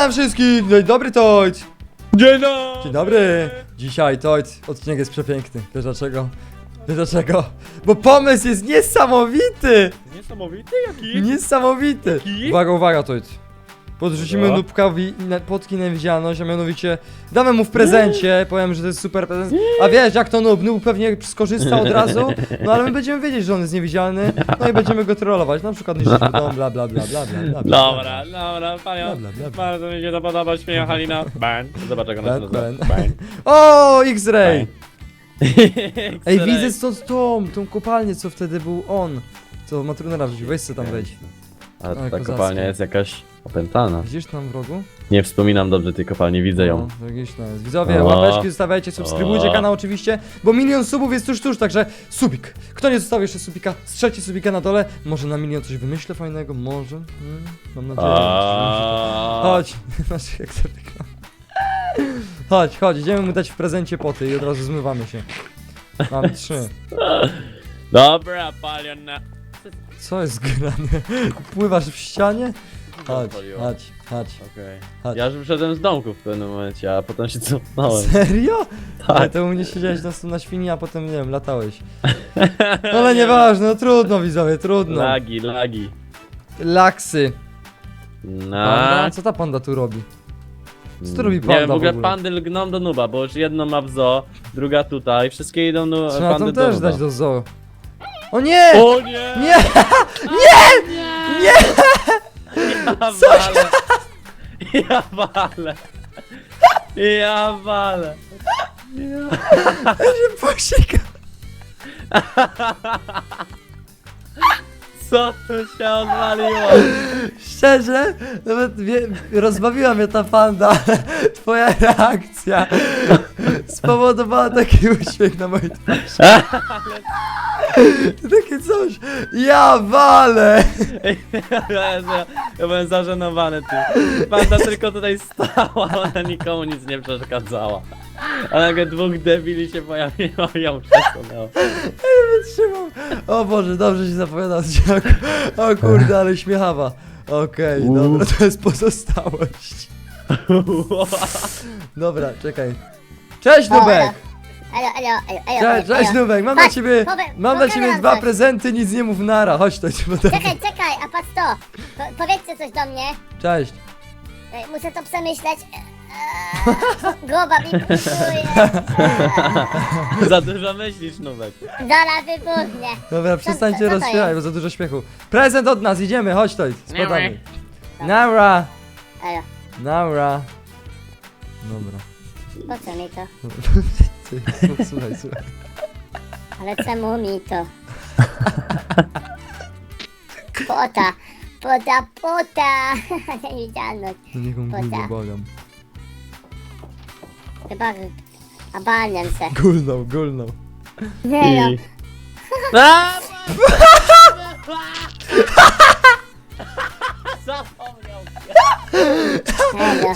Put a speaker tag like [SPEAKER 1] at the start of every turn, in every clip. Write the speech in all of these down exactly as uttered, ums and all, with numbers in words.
[SPEAKER 1] Witam wszystkich! Dzień dobry, Tojt!
[SPEAKER 2] Dzień dobry!
[SPEAKER 1] Dzień dobry! Dzisiaj, Tojt, odcinek jest przepiękny. Wiesz dlaczego? Wiesz dlaczego? Bo pomysł jest niesamowity!
[SPEAKER 2] Niesamowity jaki?
[SPEAKER 1] Niesamowity!
[SPEAKER 2] Jaki?
[SPEAKER 1] Uwaga, uwaga, Tojt. Podrzucimy
[SPEAKER 2] Dobra.
[SPEAKER 1] Nubkowi na- potki na niewidzialność, a mianowicie damy mu w prezencie, powiem, że to jest super prezent. A wiesz, jak to Nub? Nub pewnie skorzysta od razu, no ale my będziemy wiedzieć, że on jest niewidzialny, no i będziemy go trollować, na przykład niszczyć mu dom, bla bla bla bla bla bla bla.
[SPEAKER 2] Dobra, dobra,
[SPEAKER 1] Bla,
[SPEAKER 2] panią.
[SPEAKER 1] bla, bla, bla.
[SPEAKER 2] Bardzo mi się to podoba, śmieje Halina. Ban. Zobacz jak ona się
[SPEAKER 1] Ban,
[SPEAKER 2] nazywa.
[SPEAKER 1] ban.
[SPEAKER 2] Ban.
[SPEAKER 1] O, X-Ray! Ej,
[SPEAKER 2] X-ray.
[SPEAKER 1] widzę stąd tą, tą kopalnię, co wtedy był on. Co Matrunera wrzucił, weź se tam wejdź.
[SPEAKER 2] A
[SPEAKER 1] Ale
[SPEAKER 2] ta
[SPEAKER 1] kozackie.
[SPEAKER 2] kopalnia jest jakaś opętana.
[SPEAKER 1] Widzisz tam w rogu?
[SPEAKER 2] Nie wspominam dobrze tej kopalni, widzę ją.
[SPEAKER 1] No, jakiś tam jest. Widzowie,
[SPEAKER 2] O.
[SPEAKER 1] łapeczki zostawiajcie, subskrybujcie
[SPEAKER 2] O.
[SPEAKER 1] kanał oczywiście, bo milion subów jest tuż, tuż, także subik. Kto nie zostawił jeszcze subika, strzelcie subika na dole. Może na milion coś wymyślę fajnego, może. Hmm, mam nadzieję.
[SPEAKER 2] A.
[SPEAKER 1] Chodź, masz jak to wygląda. Chodź, chodź, idziemy mu dać w prezencie poty i od razu zmywamy się. Mam trzy.
[SPEAKER 2] Dobra, palion na...
[SPEAKER 1] Co jest grane? Pływasz w ścianie? Chodź,
[SPEAKER 2] Odpaliło.
[SPEAKER 1] chodź, chodź.
[SPEAKER 2] Okej.
[SPEAKER 1] Chodź.
[SPEAKER 2] Ja już wyszedłem z domku w pewnym momencie, a potem się cofnąłem.
[SPEAKER 1] Serio?
[SPEAKER 2] Tak.
[SPEAKER 1] Ale to u mnie siedziałeś na, na świni, a potem, nie wiem, latałeś. Ale nieważne, no trudno widzowie, trudno.
[SPEAKER 2] Lagi, lagi.
[SPEAKER 1] Laksy. Panda?
[SPEAKER 2] Na...
[SPEAKER 1] Co ta panda tu robi? Co tu robi
[SPEAKER 2] Nie
[SPEAKER 1] panda
[SPEAKER 2] wiem, w ogóle
[SPEAKER 1] w ogóle?
[SPEAKER 2] pandy lgną do nuba, bo już jedno ma w zoo, druga tutaj, wszystkie idą no,
[SPEAKER 1] Trzeba
[SPEAKER 2] pandy
[SPEAKER 1] tam
[SPEAKER 2] do
[SPEAKER 1] też
[SPEAKER 2] nuba.
[SPEAKER 1] dać do zoo. O nie!
[SPEAKER 2] O nie!
[SPEAKER 1] Nie! Nie! Nie!
[SPEAKER 2] Ja walę! Ja walę! Ja walę!
[SPEAKER 1] Ja się posikam.
[SPEAKER 2] Co tu się odwaliło?
[SPEAKER 1] Szczerze, nawet wie, rozbawiła mnie ta panda. Twoja reakcja spowodowała taki uśmiech na mojej twarzy. Takie coś. Ja walę!
[SPEAKER 2] Ja, ja byłem zażenowany tym. Panda tylko tutaj stała, ona nikomu nic nie przeszkadzała. A nagle dwóch debili się pojawiło i ją przesunęło.
[SPEAKER 1] Wytrzymam. O Boże, dobrze się zapowiada odcinek. O kurde, ale śmiechawa. Okej,
[SPEAKER 2] Uuu.
[SPEAKER 1] dobra, to jest pozostałość. Dobra, czekaj. Cześć Nubek!
[SPEAKER 3] Alo, alo, alo, alo,
[SPEAKER 1] Cześć,
[SPEAKER 3] alo.
[SPEAKER 1] cześć Nubek, mam dla
[SPEAKER 3] Chodź,
[SPEAKER 1] ciebie,
[SPEAKER 3] powie-
[SPEAKER 1] mam dla
[SPEAKER 3] powie
[SPEAKER 1] ciebie
[SPEAKER 3] nam
[SPEAKER 1] dwa
[SPEAKER 3] coś.
[SPEAKER 1] prezenty, nic nie mów nara. Chodź, to ci potem.
[SPEAKER 3] Czekaj, czekaj, a patrz to. Po, powiedzcie coś do mnie.
[SPEAKER 1] Cześć.
[SPEAKER 3] E, Muszę to przemyśleć. Eee, Głowa mi pulsuje.
[SPEAKER 2] Za dużo myślisz, Nubek.
[SPEAKER 3] Zaraz wybuchnie.
[SPEAKER 1] Dobra, przestańcie
[SPEAKER 3] co to
[SPEAKER 1] rozśpiewać,
[SPEAKER 3] jest?
[SPEAKER 1] bo za dużo śmiechu. Prezent od nas, idziemy, chodź to, spadamy.
[SPEAKER 3] Dobra.
[SPEAKER 1] Nara,
[SPEAKER 3] Alo,
[SPEAKER 1] nara. Dobra.
[SPEAKER 3] po co mi to?
[SPEAKER 1] Ty, słuchaj, słuchaj.
[SPEAKER 3] Ale czemu mi to? Pota, pota, pota. Niewidzialność.
[SPEAKER 1] No niech on
[SPEAKER 3] Poza.
[SPEAKER 1] gulnie, błagam.
[SPEAKER 3] Chyba obalniam się.
[SPEAKER 1] Gulnął, gulnął.
[SPEAKER 3] Nie no.
[SPEAKER 2] I... A! Zapomniał.
[SPEAKER 3] Elo.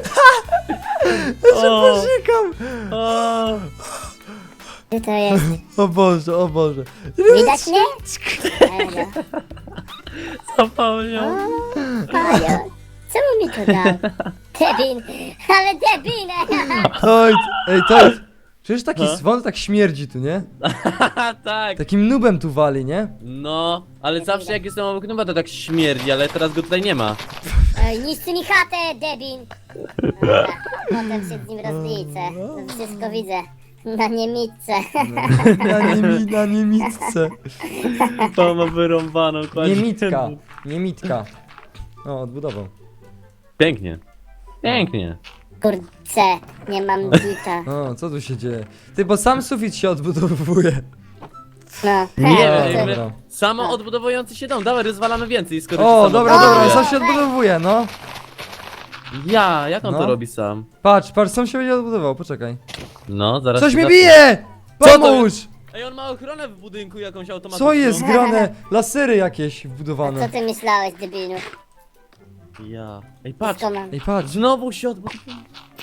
[SPEAKER 2] O,
[SPEAKER 1] Posikam!
[SPEAKER 2] o.
[SPEAKER 3] Gdzie to jest?
[SPEAKER 1] O Boże, o Boże.
[SPEAKER 3] Widać mnie? Elo.
[SPEAKER 2] Zapomniał.
[SPEAKER 3] Pajo, czemu mi to dał? Debin, ale debinę!
[SPEAKER 1] Oj, ej, to jest... Przecież taki
[SPEAKER 2] Ha?
[SPEAKER 1] zwon tak śmierdzi tu, nie?
[SPEAKER 2] Tak.
[SPEAKER 1] Takim nubem tu wali, nie?
[SPEAKER 2] No, ale zawsze jak jestem obok nuba to tak śmierdzi, ale teraz go tutaj nie ma.
[SPEAKER 3] Ej, niszczy mi chatę, debin! Dobra, potem się z nim rozliczę. To wszystko widzę. Na niemitce.
[SPEAKER 1] Na, niemi, na niemitce.
[SPEAKER 2] To ma wyrąbaną kładzie.
[SPEAKER 1] Niemitka, niemitka. O, odbudował.
[SPEAKER 2] Pięknie. Pięknie.
[SPEAKER 3] Kurczę, nie mam bita.
[SPEAKER 1] O, co tu się dzieje? Ty, bo sam sufit się odbudowuje.
[SPEAKER 3] No,
[SPEAKER 2] Nie
[SPEAKER 3] hej,
[SPEAKER 2] wiem,
[SPEAKER 3] to-
[SPEAKER 1] dobra.
[SPEAKER 2] samo odbudowujący się dom. Dawaj, rozwalamy więcej, skoro
[SPEAKER 1] O,
[SPEAKER 2] się samo
[SPEAKER 1] dobra,
[SPEAKER 2] odbudowuje.
[SPEAKER 1] dobra, sam się odbudowuje, no.
[SPEAKER 2] Ja, jak on
[SPEAKER 1] No.
[SPEAKER 2] to robi sam?
[SPEAKER 1] Patrz, patrz, sam się będzie odbudował, poczekaj.
[SPEAKER 2] No, zaraz
[SPEAKER 1] Coś
[SPEAKER 2] się
[SPEAKER 1] mi
[SPEAKER 2] zacznie.
[SPEAKER 1] bije!
[SPEAKER 2] Co to
[SPEAKER 1] Pomóż!
[SPEAKER 2] Ej, on ma ochronę w budynku jakąś automatyczną.
[SPEAKER 1] Co jest grane? Lasery jakieś
[SPEAKER 3] A co
[SPEAKER 1] wbudowane.
[SPEAKER 3] ty myślałeś, debilu?
[SPEAKER 2] Ja. Ej, patrz.
[SPEAKER 3] Co mam?
[SPEAKER 1] Ej, patrz.
[SPEAKER 2] Znowu się odbudowało.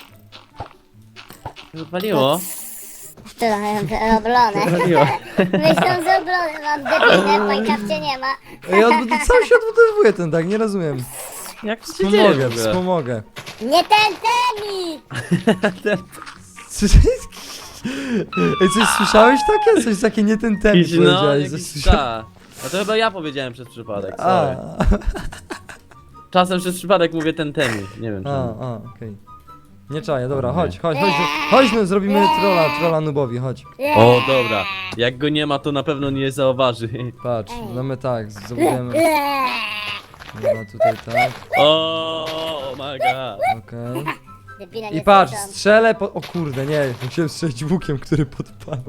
[SPEAKER 2] Odpaliło.
[SPEAKER 3] Trochę oblone.
[SPEAKER 2] Odpaliło.
[SPEAKER 3] Myślę, że oblone mam debinę, w Minecrafcie nie ma.
[SPEAKER 1] Ej, odbud- sam się odbudowuje ten tak, nie rozumiem.
[SPEAKER 2] Jak to się dzieje w
[SPEAKER 1] Wspomogę,
[SPEAKER 2] ogóle?
[SPEAKER 1] wspomogę.
[SPEAKER 3] Nie ten temi!
[SPEAKER 1] Ej, coś słyszałeś takie? Coś takie nie ten temat
[SPEAKER 2] Jakiś, no,
[SPEAKER 1] powiedziałeś. Coś
[SPEAKER 2] jakiś
[SPEAKER 1] słysza-
[SPEAKER 2] ta. A to chyba ja powiedziałem przez przypadek,
[SPEAKER 1] A,
[SPEAKER 2] sorry. Czasem przez przypadek mówię ten temi, nie wiem
[SPEAKER 1] a,
[SPEAKER 2] czemu.
[SPEAKER 1] a, okej. Nie czaję, dobra, chodź, chodź, chodź, chodź, no, zrobimy trolla, trolla nubowi, chodź.
[SPEAKER 2] O, dobra. Jak go nie ma, to na pewno nie zauważy.
[SPEAKER 1] Patrz, mamy tak, zrobimy, dobra, tutaj tak,
[SPEAKER 2] O, my god.
[SPEAKER 1] okej.
[SPEAKER 3] Debile
[SPEAKER 1] I
[SPEAKER 3] nie
[SPEAKER 1] patrz,
[SPEAKER 3] słyszą.
[SPEAKER 1] strzelę po... O kurde, nie, musiałem strzelić łukiem, który podpala.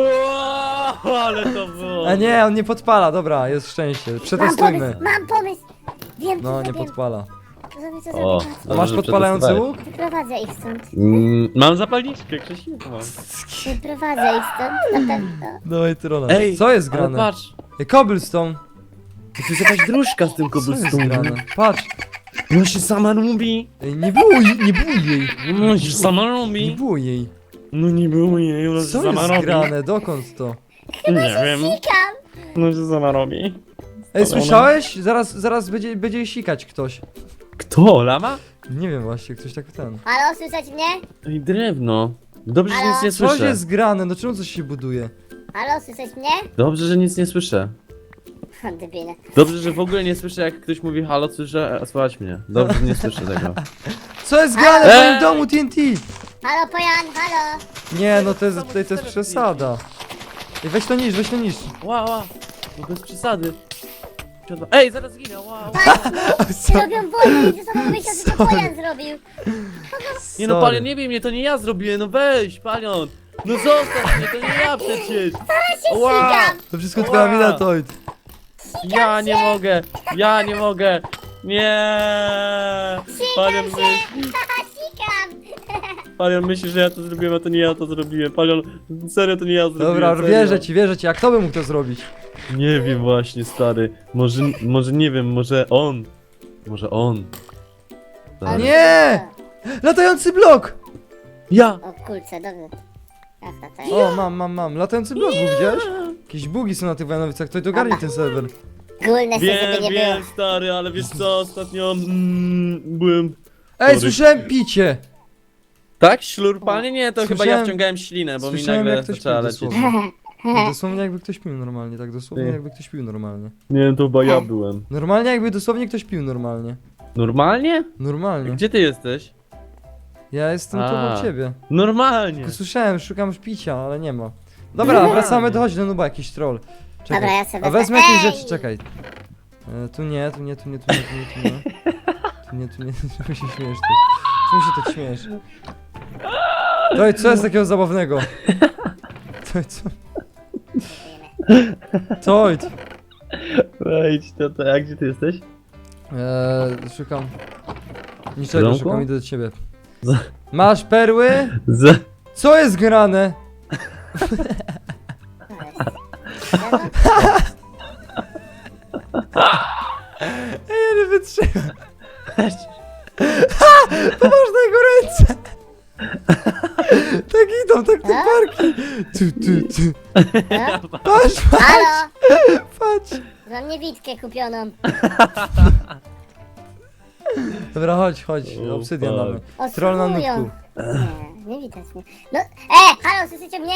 [SPEAKER 2] Wow, ale to było.
[SPEAKER 1] A nie, on nie podpala, dobra, jest szczęście,
[SPEAKER 3] Mam
[SPEAKER 1] przetestujmy.
[SPEAKER 3] pomysł, mam pomysł! Wiem, co
[SPEAKER 1] No, nie
[SPEAKER 3] zrobię.
[SPEAKER 1] podpala.
[SPEAKER 3] Co zrobię, co
[SPEAKER 2] O,
[SPEAKER 3] zrobię.
[SPEAKER 1] A
[SPEAKER 2] dobrze,
[SPEAKER 1] masz
[SPEAKER 2] że
[SPEAKER 1] podpalający
[SPEAKER 2] przetestowałeś.
[SPEAKER 1] łuk?
[SPEAKER 3] Wyprowadzę ich stąd.
[SPEAKER 2] Mm, mam zapalniczkę, Krzysiek mam.
[SPEAKER 3] Wyprowadzę ich stąd, na pewno.
[SPEAKER 1] Dawaj trolla.
[SPEAKER 2] Ej,
[SPEAKER 1] Co jest
[SPEAKER 2] ale
[SPEAKER 1] grane?
[SPEAKER 2] patrz,
[SPEAKER 1] Ej, cobblestone.
[SPEAKER 2] to jest jakaś dróżka z tym
[SPEAKER 1] Co jest
[SPEAKER 2] cobblestone'em.
[SPEAKER 1] grane? Patrz.
[SPEAKER 2] No się sama lubi.
[SPEAKER 1] Ej, nie było jej, nie było jej.
[SPEAKER 2] No się sama
[SPEAKER 1] Nie
[SPEAKER 2] lubi.
[SPEAKER 1] było jej.
[SPEAKER 2] No nie było jej, ona się
[SPEAKER 1] Co
[SPEAKER 2] sama
[SPEAKER 1] jest
[SPEAKER 2] robi.
[SPEAKER 1] grane? Dokąd to?
[SPEAKER 2] Nie wiem,
[SPEAKER 3] Sikam!
[SPEAKER 2] no się sama robi.
[SPEAKER 1] Ej,
[SPEAKER 2] Ale
[SPEAKER 1] słyszałeś? Zaraz, zaraz będzie, będzie jej sikać ktoś.
[SPEAKER 2] Kto, lama?
[SPEAKER 1] Nie wiem właśnie, ktoś tak ten.
[SPEAKER 3] Halo, słyszeć mnie?
[SPEAKER 2] Ej, drewno. Dobrze, że
[SPEAKER 3] Halo?
[SPEAKER 2] nic nie
[SPEAKER 1] Coś
[SPEAKER 2] słyszę.
[SPEAKER 1] jest grane, no czemu coś się buduje?
[SPEAKER 3] Halo, słyszeć mnie?
[SPEAKER 2] Dobrze, że nic nie słyszę.
[SPEAKER 3] Debile.
[SPEAKER 2] Dobrze, że w ogóle nie słyszę, jak ktoś mówi halo, słyszę, a słuchać mnie. Dobrze, że nie słyszę tego.
[SPEAKER 1] Co jest grane w
[SPEAKER 2] Ej!
[SPEAKER 1] moim domu T N T?
[SPEAKER 3] Halo, Pojan, halo!
[SPEAKER 1] Nie, no to jest, to, to jest przesada. Ej, weź to niż, weź to niż.
[SPEAKER 2] Wow, wow. No bez przesady. Ej, zaraz ginę, wow.
[SPEAKER 1] Co?
[SPEAKER 3] Robią wojnę i ze sobą myślą, że to Pojan zrobił.
[SPEAKER 2] Nie no,
[SPEAKER 1] Sorry.
[SPEAKER 2] Palion, nie bij mnie, to nie ja zrobiłem, no weź, Palion. No zostaw mnie, to nie ja przecież. Wow.
[SPEAKER 3] Sikam!
[SPEAKER 1] To wszystko twoja
[SPEAKER 2] Ła!
[SPEAKER 1] wina, Toid.
[SPEAKER 2] Ja nie mogę, ja nie mogę. Nie. Palion,
[SPEAKER 3] Sikam
[SPEAKER 2] myśl,
[SPEAKER 3] się! Haha, sikam!
[SPEAKER 2] Palion myśli, że ja to zrobiłem, a to nie ja to zrobiłem. Palion, serio to nie ja zrobiłem.
[SPEAKER 1] Dobra,
[SPEAKER 2] serio.
[SPEAKER 1] wierzę ci, wierzę ci. A kto by mógł to zrobić?
[SPEAKER 2] Nie wiem właśnie, stary. Może, może nie wiem, może on. Może on. Stary.
[SPEAKER 1] Nie! Latający blok!
[SPEAKER 2] Ja!
[SPEAKER 3] O kurczę, dobrze. Jasna, to jest.
[SPEAKER 1] O, mam, mam, mam. Latający blok, był, widziałeś? Jakieś bugi są na tych Wojanowicach, to ogarnij ten serwer.
[SPEAKER 3] Gulne się,
[SPEAKER 2] Wiem,
[SPEAKER 3] żeby nie było.
[SPEAKER 2] wiem, stary, ale wiesz co, ostatnio mm, byłem...
[SPEAKER 1] Ej,
[SPEAKER 2] Sorry.
[SPEAKER 1] słyszałem picie!
[SPEAKER 2] Tak? Ślurpanie? Nie, to chyba
[SPEAKER 1] Słyszałem-
[SPEAKER 2] ja wciągałem ślinę, bo mi
[SPEAKER 1] Słyszałem,
[SPEAKER 2] nagle
[SPEAKER 1] jak ktoś
[SPEAKER 2] zaczęła
[SPEAKER 1] pił
[SPEAKER 2] lecieć.
[SPEAKER 1] dosłownie. Dosłownie jakby ktoś pił normalnie, tak dosłownie
[SPEAKER 2] Ty.
[SPEAKER 1] jakby ktoś pił normalnie.
[SPEAKER 2] Nie, to chyba ja byłem.
[SPEAKER 1] Normalnie jakby dosłownie ktoś pił normalnie.
[SPEAKER 2] Normalnie?
[SPEAKER 1] Normalnie.
[SPEAKER 2] Gdzie ty jesteś?
[SPEAKER 1] Ja jestem tu
[SPEAKER 2] A.
[SPEAKER 1] obok ciebie.
[SPEAKER 2] Normalnie!
[SPEAKER 1] Tylko słyszałem, szukam picia, ale nie ma. Dobra, wracamy do chodź do nuba, jakiś troll. Czekaj.
[SPEAKER 3] Dobra, ja sobie
[SPEAKER 1] A wezmę
[SPEAKER 3] wezmę-
[SPEAKER 1] jakieś
[SPEAKER 3] Ej!
[SPEAKER 1] rzeczy, czekaj. E, tu nie, tu nie, tu nie, tu nie, tu nie, tu nie. Tu nie, tu nie, czemu się śmiesz tu? Czemu się tak śmiesz? To co jest takiego zabawnego? To co? Toid!
[SPEAKER 2] Wejdź, to, to, a gdzie ty jesteś?
[SPEAKER 1] Eee, szukam. Niczego,
[SPEAKER 2] Domku?
[SPEAKER 1] szukam, idę do ciebie.
[SPEAKER 2] Za-
[SPEAKER 1] Masz perły?
[SPEAKER 2] Z...
[SPEAKER 1] Co jest grane? Ej, ja nie wytrzymam. Ha! To masz na jego ręce! Tak idą, tak te parki. Tu, tu, tu.
[SPEAKER 3] No?
[SPEAKER 1] Patrz,
[SPEAKER 3] Halo!
[SPEAKER 1] patrz.
[SPEAKER 3] Mam niewidkę kupioną.
[SPEAKER 1] Dobra, chodź, chodź.
[SPEAKER 2] O,
[SPEAKER 1] Obsydian
[SPEAKER 2] fuck.
[SPEAKER 1] mamy. Troll na
[SPEAKER 3] Oszukują.
[SPEAKER 1] nutku.
[SPEAKER 3] Nie, nie widać mnie. No, e, halo, słyszycie mnie?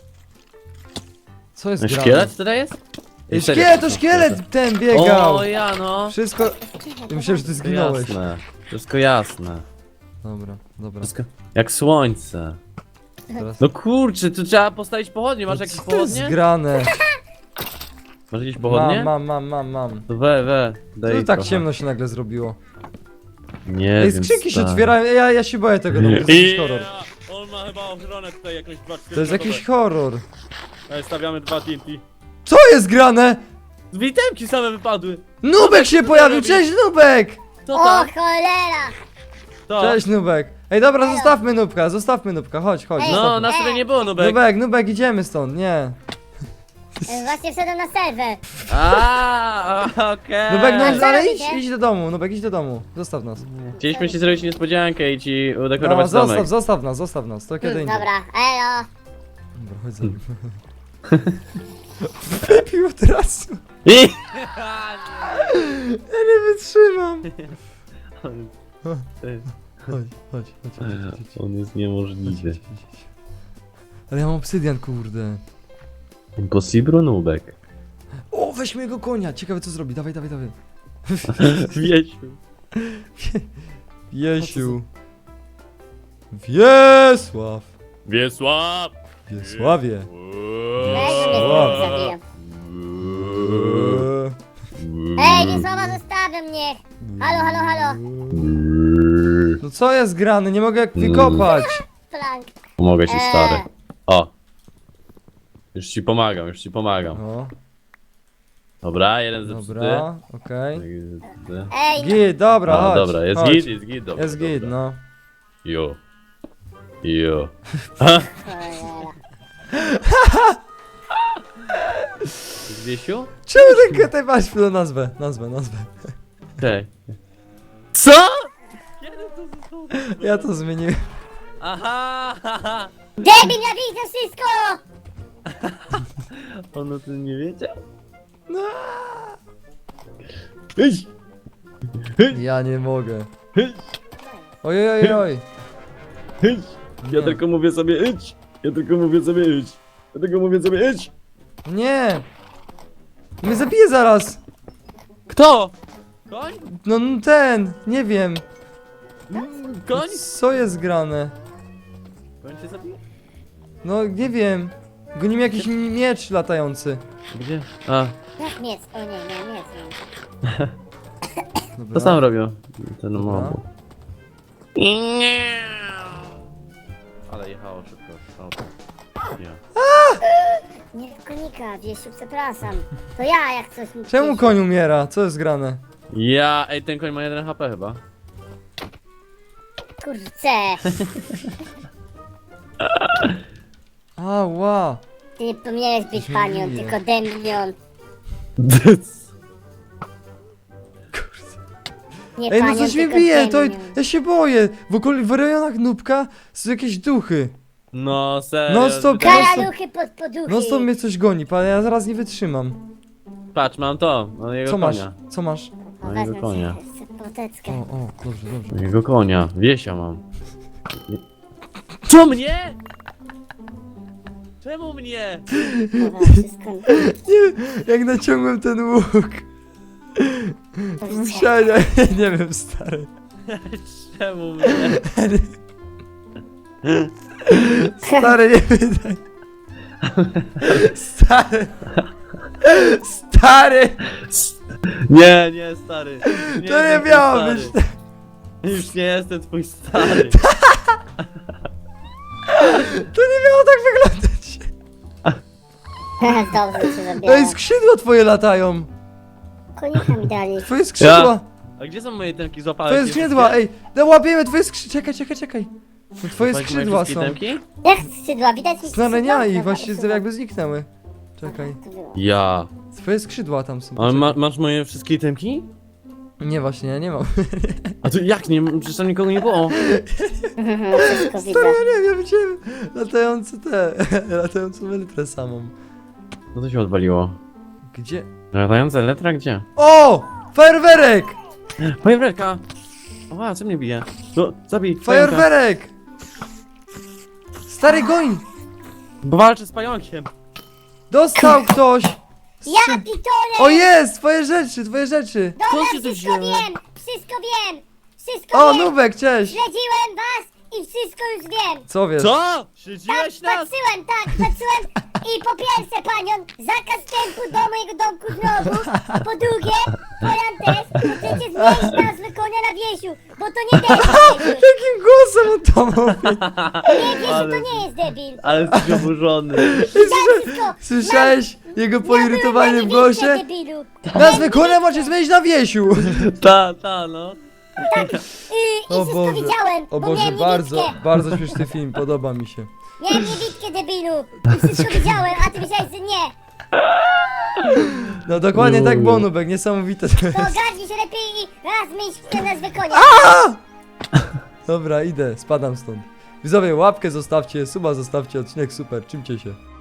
[SPEAKER 1] Co jest grane?
[SPEAKER 2] Szkielet tutaj jest?
[SPEAKER 1] Ej,
[SPEAKER 2] Serio,
[SPEAKER 1] szkielet, to
[SPEAKER 2] są
[SPEAKER 1] szkielet ten biegał.
[SPEAKER 2] O, ja no.
[SPEAKER 1] Wszystko... Ja myślałem, że ty
[SPEAKER 2] Wszystko
[SPEAKER 1] zginąłeś.
[SPEAKER 2] jasne. Wszystko jasne.
[SPEAKER 1] Dobra, dobra.
[SPEAKER 2] Wszystko... Jak słońce.
[SPEAKER 1] Teraz...
[SPEAKER 2] No kurczę, tu trzeba postawić pochodnie. Masz jakieś
[SPEAKER 1] Co to jest
[SPEAKER 2] pochodnie?
[SPEAKER 1] grane?
[SPEAKER 2] Masz jakieś pochodnie?
[SPEAKER 1] Mam, mam, mam, mam, mam.
[SPEAKER 2] To we, we, daj
[SPEAKER 1] Co tak
[SPEAKER 2] trochę.
[SPEAKER 1] ciemno się nagle zrobiło?
[SPEAKER 2] Nie
[SPEAKER 1] Ej,
[SPEAKER 2] wiem,
[SPEAKER 1] skrzynki się
[SPEAKER 2] stary.
[SPEAKER 1] otwierają, ja, ja się boję tego domu, to jest jakiś horror.
[SPEAKER 2] On ma chyba ochronę tutaj jakąś dwa
[SPEAKER 1] To jest jakiś horror.
[SPEAKER 2] Stawiamy dwa T N T.
[SPEAKER 1] Co jest grane?
[SPEAKER 2] Z witemki same wypadły.
[SPEAKER 1] Nubek się
[SPEAKER 2] co
[SPEAKER 1] pojawił,
[SPEAKER 2] robi?
[SPEAKER 1] cześć Nubek!
[SPEAKER 2] To
[SPEAKER 3] O,
[SPEAKER 2] tak,
[SPEAKER 3] cholera!
[SPEAKER 2] to.
[SPEAKER 1] Cześć Nubek. Ej, dobra, zostawmy Nubka, zostawmy Nubka, chodź, chodź.
[SPEAKER 3] Ej.
[SPEAKER 2] No,
[SPEAKER 1] zostawmy.
[SPEAKER 2] nas tutaj nie było, Nubek.
[SPEAKER 1] Nubek, Nubek, idziemy stąd, nie.
[SPEAKER 3] E, Właśnie wszedłem na serwer.
[SPEAKER 2] A, okej.
[SPEAKER 1] Nubek,
[SPEAKER 3] A
[SPEAKER 1] no,
[SPEAKER 3] co
[SPEAKER 1] ale idź,
[SPEAKER 3] robicie?
[SPEAKER 1] idź do domu, Nubek, idź do domu. Zostaw nas.
[SPEAKER 2] Chcieliśmy ci zrobić niespodziankę i ci
[SPEAKER 1] No,
[SPEAKER 2] udekorować domek.
[SPEAKER 1] zostaw, zostaw nas, zostaw nas, to kiedy
[SPEAKER 3] Hmm,
[SPEAKER 1] indziej.
[SPEAKER 3] dobra, elo.
[SPEAKER 1] Dobra, chodź za nim. Wypił od razu.
[SPEAKER 2] I...
[SPEAKER 1] Ja nie wytrzymam. chodź, chodź, chodź, chodź, chodź, chodź.
[SPEAKER 2] On jest
[SPEAKER 1] Chodź,
[SPEAKER 2] niemożliwy.
[SPEAKER 1] chodź, chodź, chodź. Ale ja mam obsydian, kurde.
[SPEAKER 2] Impossible nubek.
[SPEAKER 1] O, weźmy jego konia, ciekawe co zrobi, dawaj, dawaj, dawaj.
[SPEAKER 2] Wiesiu.
[SPEAKER 1] Wiesiu. Wiesław.
[SPEAKER 2] Wiesław!
[SPEAKER 1] Wiesławie.
[SPEAKER 3] Ej, mnie
[SPEAKER 1] Wow.
[SPEAKER 3] znowu zabiją.
[SPEAKER 1] Eee.
[SPEAKER 3] Ej, Wiesława, zostawią mnie! Halo, halo, halo!
[SPEAKER 1] No co jest grane, nie mogę jak wykopać.
[SPEAKER 3] Plank.
[SPEAKER 2] Pomogę ci,
[SPEAKER 3] Eee.
[SPEAKER 2] stary. O. Już ci pomagam, już ci pomagam.
[SPEAKER 1] No,
[SPEAKER 2] Dobra, jeden zepsuty.
[SPEAKER 1] dobra, okej.
[SPEAKER 3] Ej, no,
[SPEAKER 1] Git, dobra,
[SPEAKER 2] A,
[SPEAKER 1] chodź.
[SPEAKER 2] dobra, jest
[SPEAKER 1] chodź.
[SPEAKER 2] git, jest git, dobra.
[SPEAKER 1] Jest git,
[SPEAKER 2] dobra.
[SPEAKER 1] no.
[SPEAKER 2] Jo. Jo.
[SPEAKER 3] cholera.
[SPEAKER 2] Wiesiu?
[SPEAKER 1] Czemu ten kotek masz no, nazwę, nazwę, nazwę.
[SPEAKER 2] Okej. Co? Kiedy to zostało?
[SPEAKER 1] Ja to zmieniłem.
[SPEAKER 2] Aha! haha.
[SPEAKER 3] Debil, ja widzę wszystko!
[SPEAKER 2] On o tym nie wiedział?
[SPEAKER 1] No.
[SPEAKER 2] Idź!
[SPEAKER 1] Ja nie mogę. Oj, oj, oj.
[SPEAKER 2] Idź! Ja
[SPEAKER 1] Nie.
[SPEAKER 2] tylko mówię sobie idź! Ja tylko mówię sobie idź! Ja tylko mówię sobie idź!
[SPEAKER 1] Nie. Mnie zabije zaraz.
[SPEAKER 2] Kto? Koń?
[SPEAKER 1] No no ten, nie wiem.
[SPEAKER 2] Koń?
[SPEAKER 1] Co jest grane?
[SPEAKER 2] Koń cię zabije?
[SPEAKER 1] No nie wiem. Goni mi jakiś mi- miecz latający.
[SPEAKER 2] Gdzie? A,
[SPEAKER 3] Jak miec? O nie, nie, miec.
[SPEAKER 1] Dobra.
[SPEAKER 2] to sam robią. Ten
[SPEAKER 1] Dobra.
[SPEAKER 2] mob. Ale jechało szybko. Auto. Nie.
[SPEAKER 3] Nie w konika, Wiesiu, przepraszam. To ja, jak coś mi...
[SPEAKER 1] Czemu koń umiera? Co jest grane?
[SPEAKER 2] Ja, ej, ten koń ma jeden H P chyba.
[SPEAKER 3] Kurczę,
[SPEAKER 1] Ała.
[SPEAKER 3] ty nie powinieneś być
[SPEAKER 1] Coś mi
[SPEAKER 3] panią,
[SPEAKER 1] bije.
[SPEAKER 3] tylko demion. Nie
[SPEAKER 1] Ej, no
[SPEAKER 3] panią,
[SPEAKER 1] coś mnie
[SPEAKER 3] tylko
[SPEAKER 1] bije, to
[SPEAKER 3] demion.
[SPEAKER 1] ja się boję. W okolicy w rejonach Nubka są jakieś duchy.
[SPEAKER 2] No serio.
[SPEAKER 1] No stop,
[SPEAKER 2] wydaje-
[SPEAKER 1] Kara-
[SPEAKER 3] Karaluchy pod poduchy.
[SPEAKER 1] No stąd mnie coś goni, pan, ja zaraz nie wytrzymam.
[SPEAKER 2] Patrz, mam to. Mam jego
[SPEAKER 1] Co masz?
[SPEAKER 2] konia.
[SPEAKER 1] Co masz?
[SPEAKER 3] O,
[SPEAKER 2] mojego
[SPEAKER 3] wezmę
[SPEAKER 2] konia.
[SPEAKER 3] sobie poteczkę.
[SPEAKER 1] O, o, dobrze, dobrze.
[SPEAKER 2] Mojego konia. Wiesia mam. Co mnie? Czemu mnie?
[SPEAKER 3] Dobra, wszystko...
[SPEAKER 1] Nie, jak naciągłem ten łuk. Musiałem, nie wiem, stary.
[SPEAKER 2] Czemu mnie?
[SPEAKER 1] Stary, nie wydaj. Stary. Stary.
[SPEAKER 2] Nie, nie, stary. Nie
[SPEAKER 1] To nie
[SPEAKER 2] jestem
[SPEAKER 1] miało
[SPEAKER 2] twój
[SPEAKER 1] być.
[SPEAKER 2] stary. Już nie jestem twój stary.
[SPEAKER 1] To nie miało tak wyglądać.
[SPEAKER 3] Dobrze się
[SPEAKER 1] Ej,
[SPEAKER 3] zabiera.
[SPEAKER 1] skrzydła twoje latają.
[SPEAKER 3] Konika mi dali.
[SPEAKER 1] Twoje skrzydła.
[SPEAKER 2] A gdzie są moje temki? Złapałeś
[SPEAKER 1] Twoje
[SPEAKER 2] je
[SPEAKER 1] skrzydła,
[SPEAKER 2] wszystkie?
[SPEAKER 1] ej. No łapiemy twoje skrzydła. Czekaj, czekaj, czekaj. No, twoje
[SPEAKER 2] Złapałeś moje
[SPEAKER 1] skrzydła
[SPEAKER 2] wszystkie
[SPEAKER 1] są.
[SPEAKER 2] temki?
[SPEAKER 3] Jak skrzydła? Widać mi
[SPEAKER 1] Znalenia i
[SPEAKER 3] skrzydła?
[SPEAKER 1] właśnie
[SPEAKER 3] Dobra,
[SPEAKER 1] jakby zniknęły. Czekaj.
[SPEAKER 3] to było.
[SPEAKER 2] Ja.
[SPEAKER 1] Twoje skrzydła tam są.
[SPEAKER 2] Ale ma, masz moje wszystkie temki?
[SPEAKER 1] Nie, właśnie, ja nie mam.
[SPEAKER 2] A tu jak nie? Przecież tam nikogo nie było.
[SPEAKER 3] Wszystko widzę.
[SPEAKER 1] Stary, ja nie wiem, ja widziałem latające te, latającą elytrę samą.
[SPEAKER 2] Co to się odwaliło?
[SPEAKER 1] Gdzie?
[SPEAKER 2] Latająca letra gdzie?
[SPEAKER 1] O! Fajerwerek!
[SPEAKER 2] Fajerwerka! Oła, co mnie bije? No, zabij! pająka.
[SPEAKER 1] Fajerwerek! Stary goń!
[SPEAKER 2] Bo walczę z pająkiem!
[SPEAKER 1] Dostał ktoś!
[SPEAKER 3] Ja pitole!
[SPEAKER 1] O jest! Twoje rzeczy, twoje rzeczy!
[SPEAKER 3] Dobra,
[SPEAKER 2] Skąd się to
[SPEAKER 3] wszystko
[SPEAKER 2] wzięło?
[SPEAKER 3] wiem! Wszystko wiem! Wszystko
[SPEAKER 1] O,
[SPEAKER 3] wiem!
[SPEAKER 1] Nubek, cześć!
[SPEAKER 3] Śledziłem was i wszystko już wiem!
[SPEAKER 1] Co wiesz?
[SPEAKER 2] Co?
[SPEAKER 3] Tak,
[SPEAKER 2] Śledziłeś nas?
[SPEAKER 3] patrzyłem, tak, patrzyłem i po pierwsze, panion, zakaz wstępu do mojego domku znowu, po drugie, pojan też, chcecie zmienić nazwę konia na Wiesiu, bo to nie debil, Wiesiu.
[SPEAKER 1] Jakim głosem on to mówi?
[SPEAKER 3] Nie, Wiesiu,
[SPEAKER 2] Ale-
[SPEAKER 3] to nie jest debil.
[SPEAKER 2] Ale jesteś oburzony.
[SPEAKER 3] Tak, wszystko.
[SPEAKER 1] Słyszałeś jego
[SPEAKER 3] Ja
[SPEAKER 1] poirytowanie
[SPEAKER 3] byłem
[SPEAKER 1] w
[SPEAKER 3] na niewidce,
[SPEAKER 1] głosie?
[SPEAKER 3] debilu.
[SPEAKER 1] Nazwę konia macie zmienić na Wiesiu!
[SPEAKER 2] Ta, ta, no.
[SPEAKER 3] Yy, I
[SPEAKER 1] O
[SPEAKER 3] wszystko
[SPEAKER 1] Boże,
[SPEAKER 3] widziałem,
[SPEAKER 1] o
[SPEAKER 3] bo
[SPEAKER 1] Boże,
[SPEAKER 3] miałem
[SPEAKER 1] bardzo,
[SPEAKER 3] niewidkę.
[SPEAKER 1] bardzo śmieszny film, podoba mi się.
[SPEAKER 3] Miałem niewidkę, debilu. I wszystko widziałem, a ty myślałeś, że nie.
[SPEAKER 1] No dokładnie tak było, Nubek, niesamowite to
[SPEAKER 3] To
[SPEAKER 1] jest.
[SPEAKER 3] ogarnij się lepiej i raz zmień tę nazwę konia.
[SPEAKER 1] Dobra, idę, spadam stąd. Widzowie, łapkę zostawcie, suba zostawcie, odcinek super, czymcie się.